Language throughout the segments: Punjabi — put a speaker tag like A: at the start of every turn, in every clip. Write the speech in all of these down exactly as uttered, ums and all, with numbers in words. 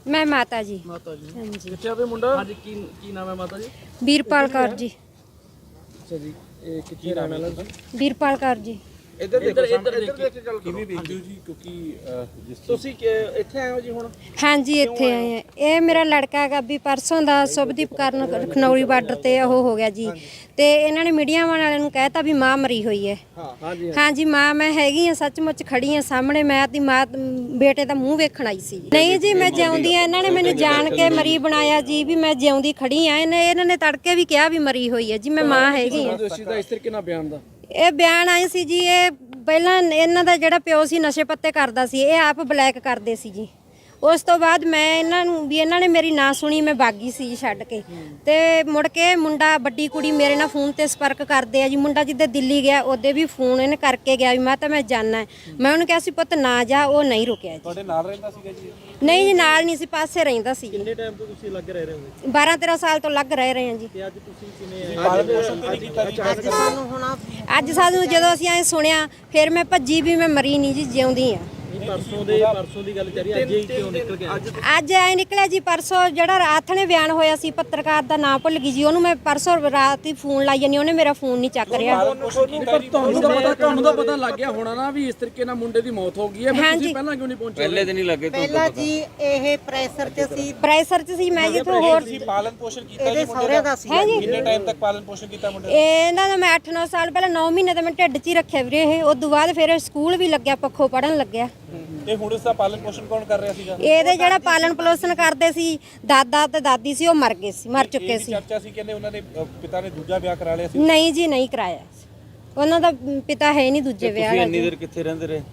A: मैं माता जी।
B: माता जी
A: हाँ जी।
B: कितने आवे मुंडा? हाँ जी की की नाम है माता जी?
A: वीरपाल कौर जी।
B: अच्छा जी ਇਹ ਕਿੱਥੇ ਰਹਿਣ ਵਾਲਾ ਤੁਸੀਂ?
A: वीरपाल कौर जी।
B: ਇੱਧਰ ਦੇਖੋ ਇੱਧਰ ਦੇਖ ਕੇ ਗੱਲ ਕਿਵੇਂ ਵੇਖਦੇ ਹੋ ਜੀ ਕਿਉਂਕਿ ਜਿਸ ਤੁਸੀਂ ਇੱਥੇ ਆਏ ਹੋ ਜੀ ਹੁਣ?
A: हाँ जी इत्थे आए हैं। ये मेरा लड़का है भी परसों ਦਾ ਸੁਭਦੀਪ ਕਰਨ ਖਨੌਰੀ ਬਾਰਡਰ ਤੇ ਉਹ ਹੋ ਗਿਆ ਜੀ ਤੇ ਇਹਨਾਂ ਨੇ ਮੀਡੀਆ ਵਾਲਿਆਂ ਨੂੰ ਕਹਿਤਾ ਵੀ ਮਾਂ ਮਰੀ ਹੋਈ ਹੈ।
B: ਹਾਂ ਜੀ
A: ਹਾਂ ਜੀ ਮਾਂ ਮੈਂ ਹੈਗੀ ਆ ਸੱਚਮੁੱਚ ਖੜੀ ਆ ਸਾਹਮਣੇ ਮੈਂ ਆਪਣੀ ਮਾਂ ਬੇਟੇ ਦਾ ਮੂੰਹ ਵੇਖਣ ਆਈ ਸੀ। ਨਹੀਂ ਜੀ ਮੈਂ ਜਿਉਂਦੀ ਆ ਇਹਨਾਂ ਨੇ ਮੈਨੂੰ ਜਾਣ ਕੇ ਮਰੀ ਬਣਾਇਆ ਜੀ ਵੀ ਮੈਂ ਜਿਉਂਦੀ ਖੜੀ ਆ ਇਹਨੇ ਇਹਨਾਂ ਨੇ ਤੜਕੇ ਵੀ ਕਿਹਾ ਵੀ ਮਰੀ ਹੋਈ ਹੈ ਜੀ ਮੈਂ ਮਾਂ ਹੈਗੀ ਆ।
B: ਦੋਸ਼ੀ ਦਾ ਇਸ ਤਰੀਕੇ ਨਾਲ ਬਿਆਨ ਦਾ
A: ਇਹ ਬਿਆਨ ਆਏ ਸੀ ਜੀ ਇਹ ਪਹਿਲਾਂ ਇਹਨਾਂ ਦਾ ਜਿਹੜਾ ਪਿਓ ਸੀ ਨਸ਼ੇ ਪੱਤੇ ਕਰਦਾ ਸੀ ਇਹ ਆਪ ਬਲੈਕ ਕਰਦੇ ਸੀ ਜੀ। ਉਸ ਤੋਂ ਬਾਅਦ ਮੈਂ ਇਹਨਾਂ ਨੂੰ ਵੀ ਇਹਨਾਂ ਨੇ ਮੇਰੀ ਨਾ ਸੁਣੀ ਮੈਂ ਬਾਗੀ ਸੀ ਜੀ ਛੱਡ ਕੇ ਤੇ ਮੁੜ ਕੇ ਮੁੰਡਾ ਵੱਡੀ ਕੁੜੀ ਮੇਰੇ ਨਾਲ ਫੋਨ ਤੇ ਸੰਪਰਕ ਕਰਦੇ ਆ ਜੀ। ਮੁੰਡਾ ਜਿੱਦੇ ਦਿੱਲੀ ਗਿਆ ਉਹਦੇ ਵੀ ਫੋਨ ਇਹਨੇ ਕਰਕੇ ਗਿਆ ਵੀ ਮੈਂ ਤਾਂ ਮੈਂ ਜਾਣਾ ਮੈਂ ਉਹਨੂੰ ਕਿਹਾ ਸੀ ਪੁੱਤ ਨਾ ਜਾ ਉਹ ਨਹੀਂ ਰੁਕਿਆ ਜੀ।
B: ਤੁਹਾਡੇ ਨਾਲ ਰਹਿੰਦਾ ਸੀਗਾ ਜੀ?
A: ਨਹੀਂ ਜੀ ਨਾਲ ਨਹੀਂ ਸੀ ਪਾਸੇ ਰਹਿੰਦਾ ਸੀ।
B: ਕਿੰਨੇ ਟਾਈਮ ਤੋਂ ਤੁਸੀਂ ਲੱਗ ਰਹੇ ਹੋ?
A: ਬਾਰਾਂ ਤੇਰਾਂ ਸਾਲ ਤੋਂ ਲੱਗ ਰਹੇ ਰਹੇ ਹਾਂ ਜੀ।
B: ਤੇ ਅੱਜ ਤੁਸੀਂ ਕਿਵੇਂ ਪਾਲਣ ਪੋਸ਼ਣ ਤੇ ਨਹੀਂ ਕੀਤਾ ਜੀ?
A: ਅੱਜ ਸਾਨੂੰ ਹੁਣ ਅੱਜ ਸਾਨੂੰ ਜਦੋਂ ਅਸੀਂ ਐ ਸੁਣਿਆ ਫਿਰ ਮੈਂ ਭੱਜੀ ਵੀ ਮੈਂ ਮਰੀ ਨਹੀਂ ਜੀ ਜਿਉਂਦੀ ਆ।
B: ਪਰਸੋਂ ਦੇ ਪਰਸੋਂ ਦੀ ਗੱਲ ਚੱਲੀ ਅੱਜ ਹੀ ਕਿਉਂ ਨਿਕਲ ਗਿਆ?
A: ਅੱਜ ਐ ਨਿਕਲਿਆ ਜੀ ਪਰਸੋਂ ਜਿਹੜਾ ਰਾਤ ਨੇ ਬਿਆਨ ਹੋਇਆ ਸੀ ਪੱਤਰਕਾਰ ਦਾ ਨਾਮ ਭੁੱਲ ਗਈ ਜੀ ਉਹਨੂੰ ਮੈਂ ਪਰਸੋਂ ਰਾਤ ਹੀ ਫੋਨ ਲਾਈ ਜਾਨੀ ਉਹਨੇ ਮੇਰਾ ਫੋਨ ਨਹੀਂ ਚੱਕ ਰਿਹਾ।
B: ਤੁਹਾਨੂੰ ਤਾਂ ਪਤਾ ਤੁਹਾਨੂੰ ਤਾਂ ਪਤਾ ਲੱਗ ਗਿਆ ਹੋਣਾ ਨਾ ਵੀ ਇਸ ਤਰੀਕੇ ਨਾਲ ਮੁੰਡੇ ਦੀ ਮੌਤ ਹੋ ਗਈ ਹੈ ਫਿਰ ਤੁਸੀਂ ਪਹਿਲਾਂ ਕਿਉਂ ਨਹੀਂ ਪਹੁੰਚੇ?
C: ਪਹਿਲੇ ਦਿਨ ਹੀ ਲੱਗੇ
D: ਪਹਿਲਾਂ ਜੀ ਇਹ ਪ੍ਰੈਸ਼ਰ ਚ ਸੀ
A: ਪ੍ਰੈਸ਼ਰ ਚ ਸੀ ਮੈਂ ਜਿੱਥੋਂ ਹੋਰ
B: ਪਾਲਣ ਪੋਸ਼ਣ ਕੀਤਾ
D: ਇਹਦੇ ਸਹੁਰੇ ਦਾ ਸੀ।
A: ਹੈ ਜੀ
B: ਕਿੰਨੇ ਟਾਈਮ ਤੱਕ ਪਾਲਣ ਪੋਸ਼ਣ ਕੀਤਾ ਮੁੰਡੇ
A: ਇਹਨਾਂ ਦਾ ਮੈਂ ਅੱਠ ਨੌ ਸਾਲ ਪਹਿਲਾਂ ਨੌ ਮਹੀਨੇ ਤਾਂ ਮੈਂ ਢਿੱਡ 'ਚ ਹੀ ਰੱਖਿਆ ਵੀਰੇ ਇਹ ਉਸ ਤੋਂ ਬਾਅਦ ਫਿਰ ਸਕੂਲ ਵੀ ਲੱਗਿਆ ਪੱਖੋਂ ਪੜਨ ਲੱਗਿਆ।
B: ਤੇ ਹੁਣ ਇਸ ਦਾ ਪਾਲਣ ਪੋਸ਼ਣ ਕੌਣ ਕਰ ਰਿਹਾ ਸੀਗਾ?
A: ਇਹਦੇ ਜਿਹੜਾ ਪਾਲਣ ਪੋਸ਼ਣ ਕਰਦੇ ਸੀ ਦਾਦਾ ਤੇ ਦਾਦੀ ਸੀ ਉਹ ਮਰ ਗਏ ਸੀ ਮਰ ਚੁੱਕੇ ਸੀ।
B: ਚਰਚਾ ਸੀ ਕਹਿੰਦੇ ਉਹਨਾਂ ਦੇ ਪਿਤਾ ਨੇ ਦੂਜਾ ਵਿਆਹ ਕਰਾ ਲਿਆ ਸੀ।
A: ਨਹੀਂ ਜੀ ਨਹੀਂ ਕਰਾਇਆ ਉਹਨਾਂ ਦਾ ਪਿਤਾ ਹੈ ਨਹੀਂ ਦੂਜੇ ਵਿਆਹ
C: ਤੁਸੀਂ
A: ਦਾ
C: ਇੰਨੀ ਦੇਰ ਕਿੱਥੇ ਰਹਿੰਦੇ ਰਹੇ?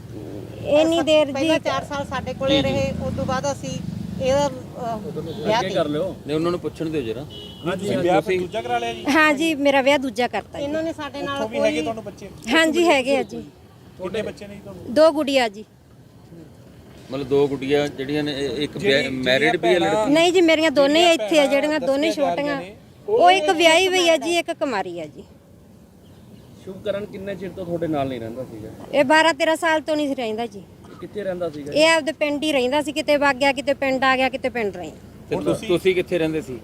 A: ਇੰਨੀ ਦੇਰ ਜੀ
D: ਪਹਿਲਾਂ ਚਾਰ ਸਾਲ ਸਾਡੇ ਕੋਲੇ ਰਹੇ ਉਸ ਤੋਂ ਬਾਅਦ ਅਸੀਂ ਇਹਦਾ ਅਹ, ਵਿਆਹ
B: ਕਰ ਲਿਓ।
C: ਨਹੀਂ ਉਹਨਾਂ ਨੂੰ ਪੁੱਛਣ ਦਿਓ ਜਰਾ।
B: ਤੁਸੀਂ ਵਿਆਹ ਫਿਰ ਦੂਜਾ ਕਰਾ ਲਿਆ ਜੀ?
A: ਹਾਂ ਜੀ ਮੇਰਾ ਵਿਆਹ ਦੂਜਾ ਕਰਤਾ ਜੀ।
D: ਇਹਨਾਂ ਨੇ ਸਾਡੇ ਨਾਲ
B: ਵੀ ਹੈਗੇ ਤੁਹਾਨੂੰ ਬੱਚੇ?
A: ਹਾਂ ਜੀ ਹੈਗੇ ਆ ਜੀ
B: ਤੁਹਾਡੇ ਬੱਚੇ ਨੇ ਜੀ ਤੁਹਾਨੂੰ?
A: ਦੋ ਗੁੜੀਆਂ ਜੀ।
C: ਮਤਲਬ ਦੋ ਗੁੱਡੀਆਂ ਜਿਹੜੀਆਂ ਨੇ ਇਹ ਇੱਕ ਮੈਰਿਡ ਵੀ ਹੈ ਲੜਕੀ?
A: ਨਹੀਂ ਜੀ ਮੇਰੀਆਂ ਦੋਨੇ ਇੱਥੇ ਆ ਜਿਹੜੀਆਂ ਦੋਨੇ ਛੋਟੀਆਂ ਉਹ ਇੱਕ ਵਿਆਹੀ ਹੋਈ ਆ ਜੀ ਇੱਕ ਕੁਮਾਰੀ ਆ ਜੀ।
B: ਸ਼ੁਭਕਰਨ ਕਿੰਨੇ ਚਿਰ ਤੋਂ ਤੁਹਾਡੇ ਨਾਲ ਨਹੀਂ ਰਹਿੰਦਾ ਸੀਗਾ?
A: ਇਹ ਬਾਰਾਂ ਤੇਰਾਂ ਸਾਲ ਤੋਂ ਨਹੀਂ ਸੀ ਰਹਿੰਦਾ ਜੀ।
B: ਕਿੱਥੇ ਰਹਿੰਦਾ ਸੀਗਾ?
A: ਇਹ ਆਪਦੇ ਪਿੰਡ ਹੀ ਰਹਿੰਦਾ ਸੀ ਕਿਤੇ ਵਗ ਗਿਆ ਕਿਤੇ ਪਿੰਡ ਆ ਗਿਆ ਕਿਤੇ ਪਿੰਡ ਰਹੀ।
C: ਤੇ ਤੁ- ਤੁਸੀਂ ਕਿੱਥੇ ਰਹਿੰਦੇ ਸੀ?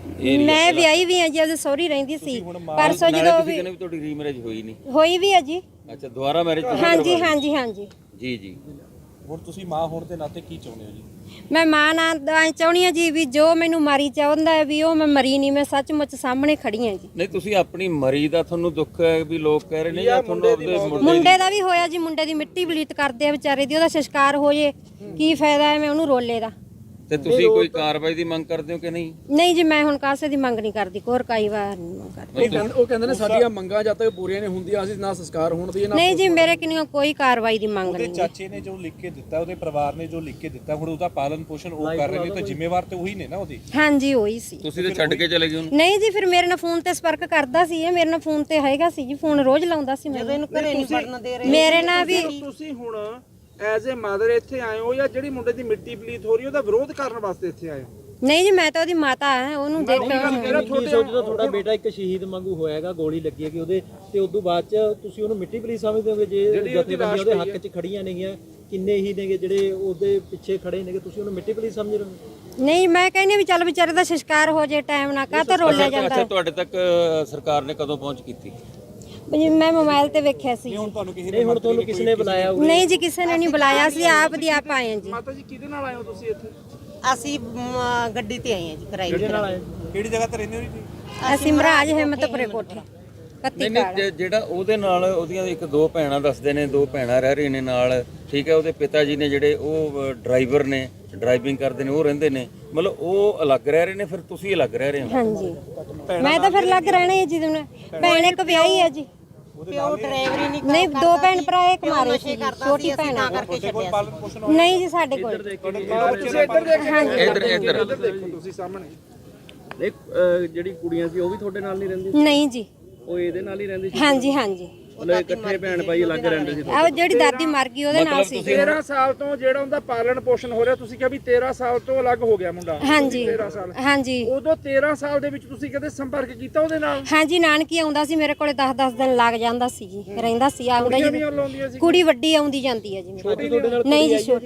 A: ਮੈਂ ਵਿਆਹੀ ਵੀ ਆ ਜੀ ਉਹਦੇ ਸਹੁਰੀ ਰਹਿੰਦੀ ਸੀ ਪਰਸੋਂ
C: ਨਾਲੇ
A: ਜਦੋਂ
C: ਤੁਸੀਂ
A: ਵੀ
C: ਕਹਿੰਦੇ ਵੀ ਤੁਹਾਡੀ ਰੀਮੈਰਿਜ ਹੋਈ ਨਹੀਂ?
A: ਹੋਈ ਵੀ ਆ ਜੀ।
C: ਅੱਛਾ ਦੁਬਾਰਾ ਮੈਰਿਜ?
A: ਹਾਂਜੀ ਹਾਂਜੀ ਹਾਂਜੀ
C: ਜੀ ਜੀ।
B: ਹੁਣ ਤੁਸੀਂ ਮਾਂ ਹੋਣ ਦੇ ਨਾਤੇ ਕੀ ਚਾਹੁੰਦੇ ਹੋ ਜੀ?
A: ਮੈਂ ਮਾਂ ਨਾਲ ਐਂ ਚਾਹੁੰਦੀ ਆ ਜੀ ਵੀ ਜੋ ਮੈਨੂੰ ਮਾਰੀ ਚਾਹੁੰਦਾ ਹੈ ਵੀ ਉਹ ਮੈਂ ਮਰੀ ਨਹੀਂ ਮੈਂ ਸੱਚਮੁੱਚ ਸਾਹਮਣੇ ਖੜੀ ਆ ਜੀ।
C: ਨਹੀਂ ਤੁਸੀਂ ਆਪਣੀ ਮਰੀ ਦਾ ਤੁਹਾਨੂੰ ਦੁੱਖ ਹੈ ਵੀ ਲੋਕ ਕਹਿ ਰਹੇ ਨੇ ਜਾਂ ਤੁਹਾਨੂੰ ਉਹਦੇ ਮੁੰਡੇ
A: ਮੁੰਡੇ ਦਾ ਵੀ ਹੋਇਆ ਜੀ ਮੁੰਡੇ ਦੀ ਮਿੱਟੀ ਬਲੀਤ ਕਰਦੇ ਆ ਵਿਚਾਰੇ ਦੀ ਉਹਦਾ ਸੰਸਕਾਰ ਹੋ ਜੇ ਕੀ ਫਾਇਦਾ ਹੈ ਮੈਂ ਉਹਨੂੰ ਰੋਲੇ ਦਾ।
C: ਤੇ ਤੁਸੀਂ ਕੋਈ ਕਾਰਵਾਈ ਦੀ ਮੰਗ ਕਰਦੇ ਹੋ ਕਿ ਨਹੀਂ?
A: ਨਹੀਂ ਜੀ ਮੈਂ ਹੁਣ ਕਾਸੇ ਦੀ ਮੰਗ ਨਹੀਂ ਕਰਦੀ ਕੋਰ ਕਾਈ ਵਾਰ ਨਹੀਂ ਮੰਗ ਕਰਦੀ।
B: ਉਹ ਕਹਿੰਦੇ ਨੇ ਸਾਡੀਆਂ ਮੰਗਾਂ ਜਦ ਤੱਕ ਪੂਰੀਆਂ ਨਹੀਂ ਹੁੰਦੀਆਂ ਅਸੀਂ ਨਾ ਸੰਸਕਾਰ ਹੋਣ ਦੀ ਨਾ।
A: ਨਹੀਂ ਜੀ ਮੇਰੇ ਕਿੰਨੀ ਕੋਈ ਕਾਰਵਾਈ ਦੀ ਮੰਗ
E: ਉਹਦੇ
A: ਨਹੀਂ।
E: ਚਾਚੇ ਨੇ ਜੋ ਲਿਖ ਕੇ ਦਿੱਤਾ ਉਹਦੇ ਪਰਿਵਾਰ ਨੇ ਜੋ ਲਿਖ ਕੇ ਦਿੱਤਾ ਹੁਣ ਉਹਦਾ ਪਾਲਣ ਪੋਸ਼ਣ ਉਹ ਕਰ ਰਹੇ ਨੇ ਤਾਂ ਜ਼ਿੰਮੇਵਾਰ ਤੇ ਉਹੀ ਨੇ ਨਾ ਉਹਦੀ।
A: ਹਾਂਜੀ ਉਹੀ ਸੀ।
C: ਤੁਸੀਂ ਤੇ ਛੱਡ ਕੇ ਚਲੇ ਗਏ ਉਹਨੂੰ?
A: ਨਹੀਂ ਜੀ ਫਿਰ ਮੇਰੇ ਨਾਲ ਫੋਨ ਤੇ ਸੰਪਰਕ ਕਰਦਾ ਸੀ ਇਹ ਮੇਰੇ ਨਾਲ ਫੋਨ ਤੇ ਹੈਗਾ ਸੀ ਜੀ ਫੋਨ ਰੋਜ਼ ਲਾਉਂਦਾ ਸੀ ਮੈਨੂੰ।
D: ਇਹਨੂੰ ਘਰੇ ਨਹੀਂ ਵੜਨ ਦੇ ਰਹੇ।
A: ਮੇਰੇ ਨਾਲ ਵੀ
F: ਤੁਸੀਂ ਹੁਣ ਐਜ਼ ਅ ਮਦਰ ਇੱਥੇ ਆਏ ਹੋ ਜਾਂ ਜਿਹੜੀ ਮੁੰਡੇ ਦੀ ਮਿੱਟੀ ਪਲੀਤ ਹੋ ਰਹੀ ਉਹਦਾ ਵਿਰੋਧ ਕਰਨ ਵਾਸਤੇ ਇੱਥੇ ਆਏ ਹੋ?
A: ਨਹੀਂ ਜੀ ਮੈਂ ਤਾਂ ਉਹਦੀ ਮਾਤਾ ਹਾਂ ਉਹਨੂੰ ਦੇਖ
F: ਮੇਰਾ
B: ਕੀ ਸੋਚਦਾ ਤੁਹਾਡਾ ਬੇਟਾ ਇੱਕ ਸ਼ਹੀਦ ਵਾਂਗੂ ਹੋਇਆਗਾ ਗੋਲੀ ਲੱਗੀ ਹੈਗੀ ਉਹਦੇ ਤੇ ਉਸ ਤੋਂ ਬਾਅਦ ਚ ਤੁਸੀਂ ਉਹਨੂੰ ਮਿੱਟੀ ਪਲੀ ਸਮਝਦੇ ਹੋਗੇ ਜੇ ਜਥੇਬੰਦੀਆਂ ਉਹਦੇ ਹੱਕ 'ਚ ਖੜੀਆਂ ਨੇਗੀਆਂ ਕਿੰਨੇ ਹੀ ਨੇਗੇ ਜਿਹੜੇ ਉਹਦੇ ਪਿੱਛੇ ਖੜੇ ਨੇਗੇ ਤੁਸੀਂ ਉਹਨੂੰ ਮਿੱਟੀ ਪਲੀ ਸਮਝ ਰਹੇ ਹੋ?
A: ਨਹੀਂ ਮੈਂ ਕਹਿੰਦੀ ਵੀ ਚੱਲ ਵਿਚਾਰੇ ਦਾ ਸੰਸਕਾਰ ਹੋ ਜੇ ਟਾਈਮ ਨਾ ਕਾ ਤਾਂ ਰੋਲਿਆ ਜਾਂਦਾ।
C: ਅੱਛਾ ਤੁਹਾਡੇ ਤੱਕ ਅ, ਸਰਕਾਰ ਨੇ ਕਦੋਂ ਪਹੁੰਚ ਕੀਤੀ?
A: ਜੀ ਮੈਂ ਮੋਬਾਈਲ ਤੇ ਵੇਖਿਆ ਸੀ।
B: ਨਹੀਂ ਹੁਣ ਤੁਹਾਨੂੰ ਕਿਸ ਨੇ ਬੁਲਾਇਆ?
A: ਨਹੀਂ ਜੀ ਕਿਸੇ ਨੇ ਨਹੀਂ ਬੁਲਾਇਆ ਸੀ ਆਪ ਦੀ ਆਪ ਆਏ ਹਾਂ ਜੀ।
F: ਮਾਤਾ ਜੀ ਕਿਹਦੇ ਨਾਲ ਆਏ ਹੋ ਤੁਸੀਂ ਇੱਥੇ?
D: ਅਸੀਂ ਮ, ਗੱਡੀ ਤੇ ਆਏ ਹਾਂ ਜੀ ਕਿਰਾਏ ਤੇ।
E: ਕਿਹੜੀ ਜਗ੍ਹਾ ਤੇ ਰਹਿੰਦੇ ਹੋ ਜੀ?
A: ਅਸੀਂ ਮਹਾਰਾਜ ਹਿੰਮਤਪੁਰੇ ਕੋਠੇ ਕੱਤੀ
C: ਨਹੀਂ ਨਹੀਂ ਜੇ- ਜਿਹੜਾ ਉਹਦੇ ਨਾਲ ਉਹਦੀਆਂ ਇੱਕ ਦੋ ਭੈਣਾਂ ਦੱਸਦੇ ਨੇ ਦੋ ਭੈਣਾਂ ਰਹਿ ਰਹੀਆਂ ਨੇ ਨਾਲ ਠੀਕ ਹੈ ਉਹਦੇ ਪਿਤਾ ਜੀ ਨੇ ਜਿਹੜੇ ਉਹ ਡਰਾਈਵਰ ਨੇ ਡਰਾਈਵਿੰਗ ਕਰਦੇ ਨੇ ਉਹ ਰਹਿੰਦੇ ਨੇ ਮਤਲਬ ਉਹ ਅਲੱਗ ਰਹਿ ਰਹੇ ਨੇ ਫਿਰ ਤੁਸੀਂ ਅਲੱਗ ਰਹਿ ਰਹੇ ਹੋ?
A: ਹਾਂਜੀ ਮੈਂ ਤਾਂ ਫਿਰ ਲੱਗ ਰਹਿਣਾ ਹੈ ਜੀ ਤੁਹਾਨੂੰ ਭੈਣ ਇੱਕ ਵਿਆਹੀ ਹੈ ਜੀ।
D: ਪਿਓ ਡਰਾਈਵਰੀ ਨਹੀਂ
A: ਨਹੀਂ ਦੋ ਭੈਣ ਭਰਾ ਇੱਕ ਮਾਰੇ ਸੀ ਜੀ, ਛੋਟੀ ਭੈਣ ਆ।
D: ਕਰਕੇ ਛੱਡਿਆ
E: ਪਾਲਣ ਪੋਸ਼ਣ
A: ਨਹੀਂ ਜੀ ਸਾਡੇ ਕੋਲ
F: ਤੁਸੀਂ ਇੱਧਰ ਦੇਖੋ
A: ਹਾਂਜੀ
C: ਇੱਧਰ ਇੱਧਰ
F: ਇੱਧਰ ਦੇਖੋ ਤੁਸੀਂ ਸਾਹਮਣੇ। ਇੱਕ ਜਿਹੜੀ ਕੁੜੀਆਂ ਸੀ ਉਹ ਵੀ ਤੁਹਾਡੇ ਨਾਲ ਨਹੀਂ ਰਹਿੰਦੀ?
A: ਨਹੀਂ ਜੀ
F: ਉਹ ਇਹਦੇ ਨਾਲ ਹੀ ਰਹਿੰਦੀ ਸੀ?
A: ਹਾਂਜੀ ਹਾਂਜੀ
F: ਮਤਲਬ ਇਕੱਠੇ ਭੈਣ ਭਾਈ ਅਲੱਗ ਰਹਿੰਦੇ ਸੀ?
A: ਆਹ ਜਿਹੜੀ ਦਾਦੀ ਮਰ ਗਈ ਉਹਦੇ ਨਾਲ ਸੀ।
F: ਤੇਰਾਂ ਸਾਲ ਤੋਂ ਜਿਹੜਾ ਉਹਦਾ ਪਾਲਣ ਪੋਸ਼ਣ ਹੋ ਰਿਹਾ ਤੁਸੀਂ ਕਿਹਾ ਵੀ ਤੇਰਾਂ ਸਾਲ ਤੋਂ ਅਲੱਗ ਹੋ ਗਿਆ ਮੁੰਡਾ?
A: ਹਾਂਜੀ
F: ਤੇਰਾਂ ਸਾਲ
A: ਹਾਂਜੀ
F: ਉਦੋਂ ਤੇਰਾਂ ਸਾਲ ਦੇ ਵਿੱਚ ਤੁਸੀਂ ਕਦੇ ਸੰਪਰਕ ਕੀਤਾ ਉਹਦੇ ਨਾਲ?
A: ਹਾਂਜੀ ਨਾਨਕੀ ਆਉਂਦਾ ਸੀ ਮੇਰੇ ਕੋਲੇ ਦਸ ਦਸ ਦਿਨ ਲੱਗ ਜਾਂਦਾ ਸੀ ਜੀ ਰਹਿੰਦਾ ਸੀ ਆਉਂਦਾ
F: ਕੁੜੀਆਂ
A: ਜੀ।
F: ਵੀ ਲਾਉਂਦੀਆਂ ਸੀ?
A: ਕੁੜੀ ਵੱਡੀ ਆਉਂਦੀ ਜਾਂਦੀ ਹੈ ਜੀ ਮੇਰੇ ਕੋਲ। ਨਹੀਂ ਜੀ ਛੋਟੀ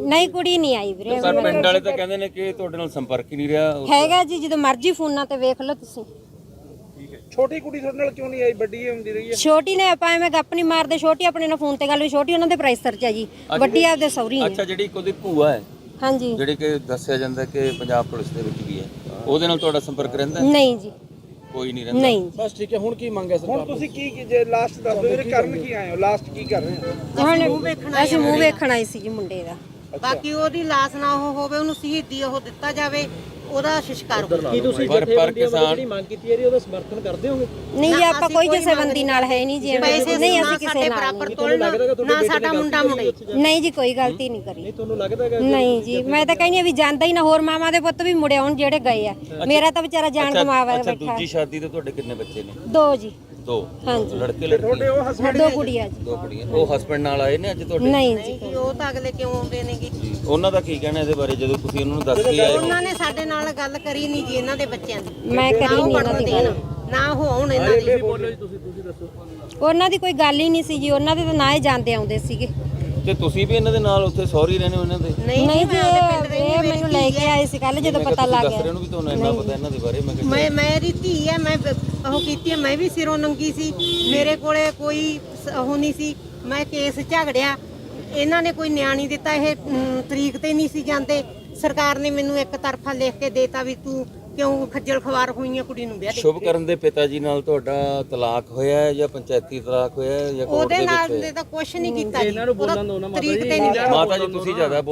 A: ਨਹੀਂ ਕੁੜੀ ਨਹੀਂ ਆਈ ਵੀਰੇ
C: ਪਰ ਪਿੰਡ ਵਾਲੇ ਤਾਂ ਕਹਿੰਦੇ ਨੇ ਕਿ ਤੁਹਾਡੇ ਨਾਲ ਸੰਪਰਕ ਹੀ ਨਹੀਂ ਰਿਹਾ।
A: ਹੈਗਾ ਜੀ, ਜਦੋਂ ਮਰਜ਼ੀ ਫੋਨਾਂ ਤੇ ਵੇਖ ਲਓ ਤੁਸੀਂ।
F: ਛੋਟੀ ਕੁੜੀ ਤੁਹਾਡੇ ਨਾਲ ਕਿਉਂ ਨਹੀਂ ਆਈ? ਵੱਡੀ ਹੁੰਦੀ ਰਹੀ ਹੈ।
A: ਛੋਟੀ ਨੇ ਆਪਾਂ ਐਵੇਂ ਗੱਪ ਨਹੀਂ ਮਾਰਦੇ, ਛੋਟੀ ਆਪਣੇ ਨਾਲ ਫੋਨ ਤੇ ਗੱਲ ਵੀ, ਛੋਟੀ ਉਹਨਾਂ ਦੇ ਪ੍ਰਾਈਸਰ ਚ ਆ ਜੀ, ਵੱਡੀ ਆਪਦੇ ਸਹੁਰੀ ਹੈ।
C: ਅੱਛਾ, ਜਿਹੜੀ ਇੱਕ ਉਹਦੀ ਭੂਆ ਹੈ
A: ਹਾਂਜੀ,
C: ਜਿਹੜੀ ਕਿ ਦੱਸਿਆ ਜਾਂਦਾ ਕਿ ਪੰਜਾਬ ਪੁਲਿਸ ਦੇ ਵਿੱਚ ਵੀ ਹੈ, ਉਹਦੇ ਨਾਲ ਤੁਹਾਡਾ ਸੰਪਰਕ ਰਹਿੰਦਾ?
A: ਨਹੀਂ ਜੀ,
C: ਕੋਈ ਨਹੀਂ ਰਹਿੰਦਾ।
A: ਨਹੀਂ
B: ਬਸ ਠੀਕ ਹੈ। ਹੁਣ ਕੀ ਮੰਗ ਹੈ ਸਰਕਾਰ
F: ਹੁਣ ਤੁਸੀਂ ਕੀ ਕੀ- ਜੇ ਲਾਸਟ ਦੱਸ ਦਿਓ ਵੀਰੇ, ਕਰਨ ਕੀ ਆਏ ਹੋ? ਲਾਸਟ ਕੀ ਕਰ ਰਹੇ ਹੋ?
A: ਹੁਣ ਅਸੀਂ ਮੂੰਹ ਵੇਖਣ ਆਏ ਸੀ ਜੀ ਮੁੰਡੇ ਦਾ।
D: ਬਾਕੀ ਉਹਦੀ ਲਾਸ਼ ਨਾ ਉਹ ਹੋਵੇ, ਉਹਨੂੰ ਸ਼ਹੀਦੀ ਉਹ ਦਿੱਤਾ ਜਾਵੇ, ਉਹਦਾ ਸੰਸਕਾਰ ਹੋਵੇ।
B: ਕੀ ਤੁਸੀਂ
C: ਪਰ- ਪਰ
B: ਜਥੇਬੰਦੀਆਂ ਵੱਲੋਂ
C: ਕਿਸਾਨ-
B: ਜਿਹੜੀ ਮੰਗ ਕੀਤੀ ਹੈ ਉਹਦਾ ਸਮਰਥਨ ਕਰਦੇ ਹੋਗੇ?
A: ਨਹੀਂ ਜੀ,
D: ਨਾ,
A: ਆਪਾਂ
D: ਅਸੀਂ
A: ਕੋਈ
D: ਕੋਈ
A: ਕਿਸੇ ਨਾਲ ਹੈ ਨਹੀਂ ਜੀ,
D: ਪੈਸੇ
A: ਨਹੀਂ
D: ਨਾ
A: ਅਸੀਂ ਕਿਸੇ
D: ਸਾਡੇ
A: ਨਾਲ
D: ਬਰਾਬਰ
A: ਨਹੀਂ।
D: ਤੋਲਣਾ,
B: ਲੱਗਦਾ ਕਿ ਤੁਹਾਡੇ
D: ਨਾ
B: ਬੇਟੇ
D: ਸਾਡਾ
B: ਨੇ
D: ਮੁੰਡਾ
B: ਗਲਤੀ
D: ਮੁੰਡੇ।
B: ਕੀਤੀ
A: ਨਹੀਂ ਜੀ, ਕੋਈ ਗਲਤੀ ਨਹੀਂ ਕਰੀ।
B: ਨਹੀਂ ਤੁਹਾਨੂੰ ਲੱਗਦਾ ਹੈਗਾ
A: ਨਹੀਂ ਜੀ, ਮੈਂ ਤਾਂ ਕਹਿੰਦੀ ਆ ਵੀ ਜਾਂਦਾ ਹੀ ਨਾ, ਹੋਰ ਮਾਮਾ ਦੇ ਪੁੱਤ ਵੀ ਮੁੜੇ ਆਉਣ ਜਿਹੜੇ ਗਏ ਆ। ਮੇਰਾ ਤਾਂ ਵਿਚਾਰਾ ਜਾਨ ਕਮਾਵਾ
C: ਅੱਛਾ,
A: ਬੈਠਾ।
C: ਦੂਜੀ ਸ਼ਾਦੀ ਤੇ ਤੁਹਾਡੇ ਕਿੰਨੇ ਬੱਚੇ ਨੇ?
A: ਦੋ ਜੀ।
C: ਦੋ।
A: ਹਾਂਜੀ।
C: ਲੜਕੇ ਲੜਕੀ?
F: ਉਹ ਹਸਬੰਡ
A: ਦੋ ਕੁੜੀਆਂ ਜੀ।
C: ਦੋ ਕੁੜੀਆਂ। ਉਹ ਹਸਬੰਡ ਨਾਲ ਆਏ ਨੇ ਅੱਜ ਤੁਹਾਡੇ?
A: ਨਹੀਂ ਜੀ,
D: ਨਹੀਂ ਜੀ, ਉਹ ਤਾਂ ਅਗਲੇ ਕਿਉਂ ਆਉਂਦੇ ਨੇਗੇ?
C: ਜੀ, ਉਹਨਾਂ ਦਾ ਕੀ ਕਹਿਣਾ ਇਹਦੇ ਬਾਰੇ ਜਦੋਂ ਤੁਸੀਂ ਉਹਨਾਂ ਨੂੰ ਦੱਸ ਕੇ ਆਏ ਹੋ?
D: ਉਹਨਾਂ ਨੇ ਸਾਡੇ ਨਾਲ ਗੱਲ ਕਰੀ ਨਹੀਂ ਜੀ, ਇਹਨਾਂ ਦੇ ਬੱਚਿਆਂ ਦੀ।
A: ਮੈਂ
D: ਨਾ
A: ਕਰੀ
D: ਉਹ
A: ਨਹੀਂ ਇਹਨਾਂ
D: ਪੜਨ
A: ਦੀ
D: ਦੇਣ,
A: ਗੱਲ।
D: ਨਾ ਉਹ ਆਉਣ ਇਹਨਾਂ ਦੀ।
B: ਬੋਲੋ ਜੀ, ਤੁਸੀਂ ਤੁਸੀਂ ਦੱਸੋ।
A: ਉਹਨਾਂ ਦੀ ਕੋਈ ਗੱਲ ਹੀ ਨਹੀਂ ਸੀ ਜੀ, ਉਹਨਾਂ ਦੇ ਤਾਂ ਨਾ ਹੀ ਜਾਂਦੇ ਆਉਂਦੇ ਸੀਗੇ।
C: ਤੇ ਤੁਸੀਂ ਵੀ ਇਹਨਾਂ ਦੇ ਨਾਲ ਉੱਥੇ ਸੌਰੀ ਰਹਿੰਦੇ ਹੋ ਇਹਨਾਂ ਦੇ?
D: ਨਹੀਂ
A: ਨਹੀਂ
D: ਜੀ,
A: ਜੀ,
D: ਮੈਂ ਉਹਦੇ ਪਿੰਡ
A: ਇਹ
D: ਰਹਿੰਦੀ,
A: ਮੈਨੂੰ ਲੈ ਕੇ ਆਏ ਸੀ ਕੱਲ, ਜਦੋਂ
C: ਮੈਂ ਕਿਹਾ
A: ਪਤਾ
C: ਤੁਸੀਂ
A: ਲੱਗ
C: ਦੱਸ
A: ਗਿਆ।
C: ਰਹੇ ਹੋ ਵੀ ਤੁਹਾਨੂੰ ਇੰਨਾ ਪਤਾ ਇਹਨਾਂ ਦੇ ਬਾਰੇ। ਮੈਂ ਕਿਹਾ
D: ਮੈਂ ਮੇਰੀ ਧੀ ਹੈ, ਮੈਂ ਬ- ਉਹ ਕੀਤੀ ਹੈ, ਮੈਂ ਵੀ ਸਿਰੋਂ ਨੰਗੀ ਸੀ, ਮੇਰੇ ਕੋਲੇ ਕੋਈ ਸ- ਉਹ ਨਹੀਂ ਸੀ। ਮੈਂ ਕੇਸ ਝਗੜਿਆ, ਇਹਨਾਂ ਨੇ ਕੋਈ ਨਿਆਂ ਨਹੀਂ ਦਿੱਤਾ। ਇਹ ਅਮ, ਤਰੀਕ ਤੇ ਨਹੀਂ ਸੀ ਜਾਂਦੇ। ਸਰਕਾਰ ਨੇ ਮੈਨੂੰ ਇੱਕ ਤਰਫਾ ਲਿਖ ਕੇ ਦੇਤਾ ਵੀ ਤੂੰ ਕਿਉਂ ਖੱਜਲ ਖਵਾਰ ਹੋਈਆਂ ਕੁੜੀ ਨੂੰ ਵਿਆਹ ਦੇ।
C: ਸ਼ੁਭਕਰਨ ਦੇ ਪਿਤਾ ਜੀ ਨਾਲ ਤੁਹਾਡਾ ਤਲਾਕ ਹੋਇਆ ਹੈ ਜਾਂ ਪੰਚਾਇਤੀ ਤਲਾਕ ਹੋਇਆ ਹੈ ਜਾਂ ਕੋਰਟ
D: ਉਹਦੇ
C: ਦੇ
D: ਨਾਲ
C: ਵਿੱਚ?
D: ਦੇ ਤਾਂ ਕੁਝ ਨਹੀਂ ਕੀਤਾ ਜੀ, ਉਹਦਾ ਤਰੀਕ ਤੇ ਨਹੀਂ ਵਿਆਹ।
C: ਮਾਤਾ ਜੀ ਤੁਸੀਂ ਜ਼ਿਆਦਾ